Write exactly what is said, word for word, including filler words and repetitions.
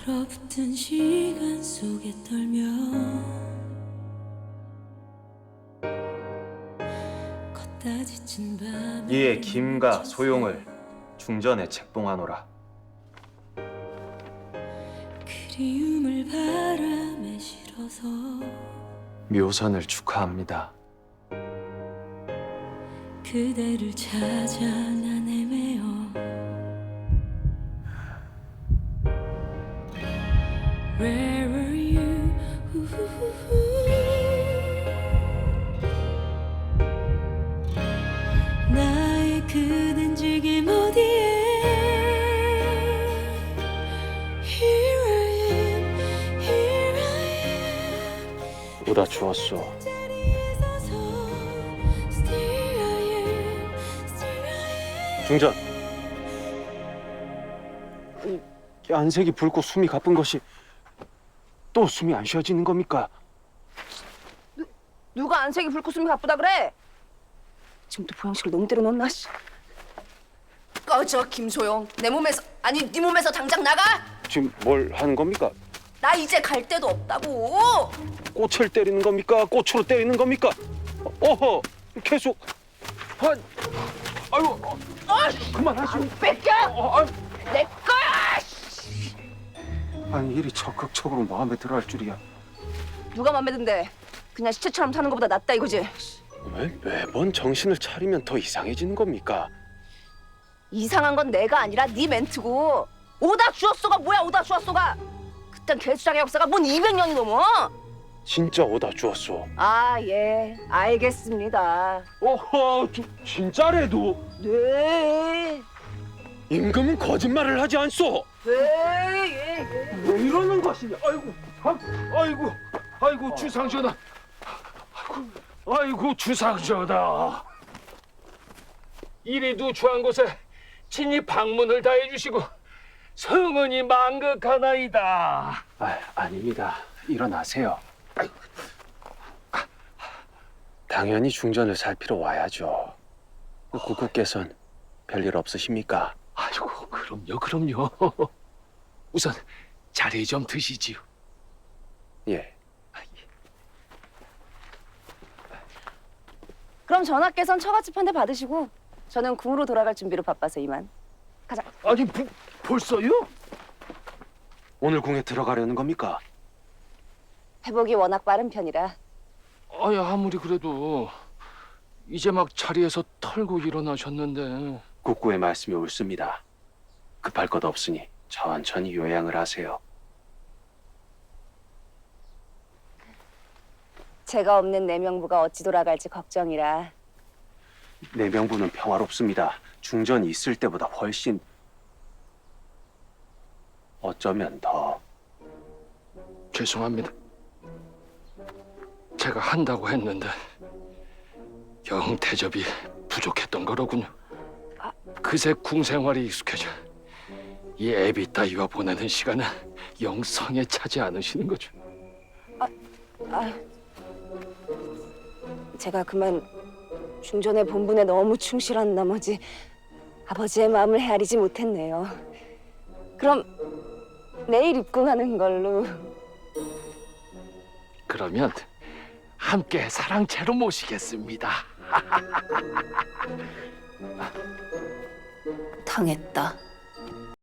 얼어붙은 시간 속에 떨며 걷다 지친 밤에 이에 김과 소용을 중전에 책봉하노라. 그리움을 바람에 실어서 묘선을 축하합니다. 그대를 찾아 난 헤매어 Where were you? 나의 그댄 지금 어디에 Here I am, here I am 오다 주었소. 자리에 서서 Still I am, still I am 중전. 이 안색이 붉고 숨이 가쁜 것이 또 숨이 안 쉬어지는 겁니까? 누가 안색이 붉고 숨이 가쁘다 그래? 지금도 보양식을 너무 때려놓나? 씨. 꺼져 김소영. 내 몸에서 아니 네 몸에서 당장 나가. 지금 뭘 하는 겁니까? 나 이제 갈 데도 없다고. 꽃을 때리는 겁니까? 꽃으로 때리는 겁니까? 어허, 계속. 아, 아유, 어, 그만하시오. 뺏겨. 어, 아, 내 거야. 아니 일이 적극적으로 마음에 들어할 줄이야. 누가 맘에 든대? 그냥 시체처럼 사는 것보다 낫다 이거지. 왜 매번 정신을 차리면 더 이상해지는 겁니까? 이상한 건 내가 아니라 네 멘트고. 오다 주었소가 뭐야 오다 주었소가. 그딴 개수장의 역사가 뭔 이백 년이 넘어. 진짜 오다 주었소. 아 예 알겠습니다. 어허, 주, 진짜래도 네. 임금은 거짓말을 하지 않소. 네, 예, 예. 왜 이러는 것이냐? 아이고, 아, 아이고, 아이고 어. 주상전하. 아이고, 아이고 주상전하. 이리도 주한 곳에 친히 방문을 다해 주시고 성은이 만극하나이다. 아, 아닙니다. 일어나세요. 아이고. 당연히 중전을 살피러 와야죠. 국구께서는 별일 없으십니까? 아이고 그럼요 그럼요. 우선 자리 좀 드시지요. 예. 그럼 전하께선 처갓집 한 대 받으시고 저는 궁으로 돌아갈 준비로 바빠서 이만. 가자. 아니 부, 벌써요? 오늘 궁에 들어가려는 겁니까? 회복이 워낙 빠른 편이라. 아야 아무리 그래도 이제 막 자리에서 털고 일어나셨는데. 국구의 말씀이 옳습니다. 급할 것 없으니 천천히 요양을 하세요. 제가 없는 내명부가 어찌 돌아갈지 걱정이라. 내명부는 평화롭습니다. 중전이 있을 때보다 훨씬 어쩌면 더. 죄송합니다. 제가 한다고 했는데 영 대접이 부족했던 거로군요. 그새 궁 생활이 익숙해져 이 애비 따위와 보내는 시간은 영 성에 차지 않으시는 거죠. 아, 제가 그만 중전의 본분에 너무 충실한 나머지 아버지의 마음을 헤아리지 못했네요. 그럼 내일 입궁하는 걸로. 그러면 함께 사랑채로 모시겠습니다. 당했다.